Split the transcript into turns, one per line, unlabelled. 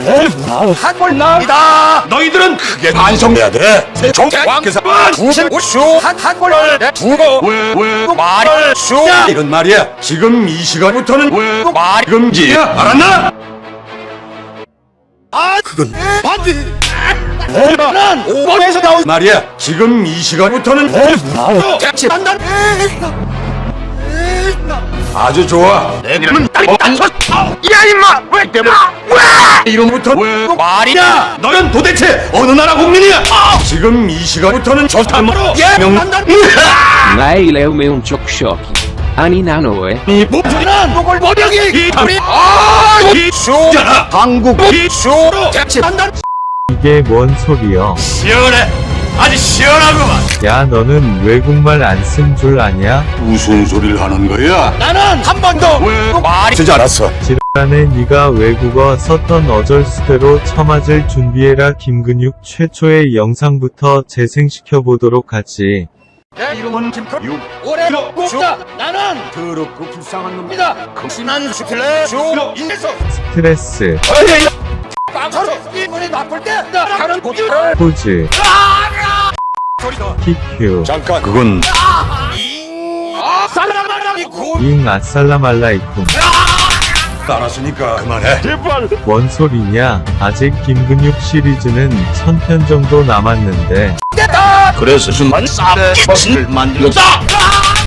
한골 나이다. 너희들은 크게 반성해야 돼. 정왕께서 두신 우슈 한골을 두고 왜 말을 슈야 이런 말이야. 지금 이 시간부터는 왜 말 금지야. 알았나? 아 그건 반지. 난 5번에서 나온 말이야. 지금 이 시간부터는 한다. 아주 좋아. 내 이름은 단서. 야 임마 왜 때문에 왜 이름부터 왜 말이냐? 너는 도대체 어느 나라 국민이야? 지금 이 시간부터는 저탄으로 명한다.
Ma ele é o meu choque. Ani nanoe.
이 목소리는 목을 머리기 이탈이 이 수잖아. 한국이 수로 대체한다.
이게 뭔 소리여?
시원해. 아주 시원하구만.
야, 너는 외국말 안 쓴 줄 아냐?
무슨 소리를 하는 거야? 나는 한 번도 왜 말이 되지 않았어.
지랄하네. 네가 외국어 썼던 어절수대로 처맞을 준비해라. 김근육 최초의 영상부터 재생시켜보도록 하지.
내 이름은 김커유. 올해 꼭자 나는 더럽고 불쌍한 놈이다. 심한 스트레스 주로 인해서
스트레스,
빵서로 이분이 나쁠 때 나가는 고기를
포즈,
소리도
PQ,
잠깐 그건
잉 아살라말라이쿰.
알았으니까 그만해. 제발.
뭔 소리냐? 아직 김근육 시리즈는 1000편 정도 남았는데
그래서 순만 쌀의 것을 만들었다.